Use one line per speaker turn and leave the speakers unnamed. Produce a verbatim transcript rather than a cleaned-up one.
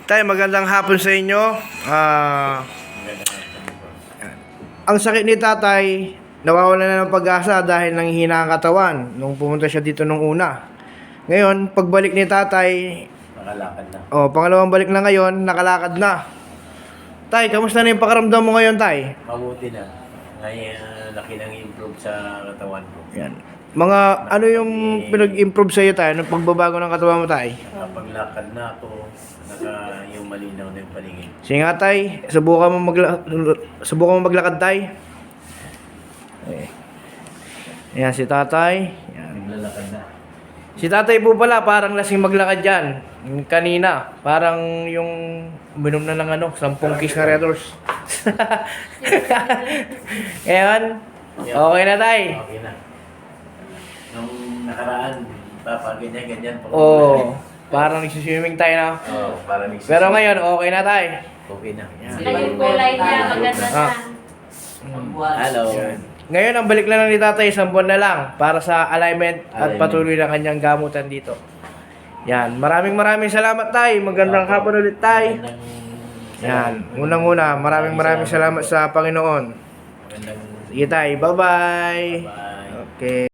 Tay, magandang hapon sa inyo. Ah, ang sakit ni tatay, nawawala na ng pag-asa dahil nanghihina ang katawan nung pumunta siya dito nung una. Ngayon, pagbalik ni tatay,
Nakalakad na.
oh, pangalawang balik na ngayon, nakalakad na. Tay, kamusta na yung pakaramdam mo ngayon, tay?
Mabuti na. Ngayon, laki nang improve sa katawan ko.
Yan. Mga, ano yung pinag-improve sa'yo, tay? Anong pagbabago ng katawan mo, tay?
Nakapaglakad na ako. Naka yung malinaw na yung paligid.
Sige nga, tay. Subukan mo, magla subukan mo maglakad, tay. Okay. Ayan, si tatay. Yan.
Naglalakad na.
Si tatay po pala, parang lasing maglakad dyan. Yung kanina, parang yung uminom na ng ano, sampung kiss na Red Horse. Ngayon, okay na tay.
Okay na. Nung nakaraan, papaganyan-ganyan pa.
Oo, parang nagsiswimming tayo na.
Oo, para nagsis-
Pero ngayon, okay na tay.
Okay na.
Sila yung kulay niya, maganda na.
Ah.
Hello.
Yan. Ngayon, ang balik na lang ni tatay, isang buwan na lang para sa alignment at
Alignment.
patuloy na kanyang gamutan dito. Yan, maraming maraming salamat tay. Magandang hapon ulit tay.
Magandang-
Yan, unang-una, maraming maraming salamat sa Panginoon.
Magandang-
Sige tay, bye-bye.
Bye.
Okay.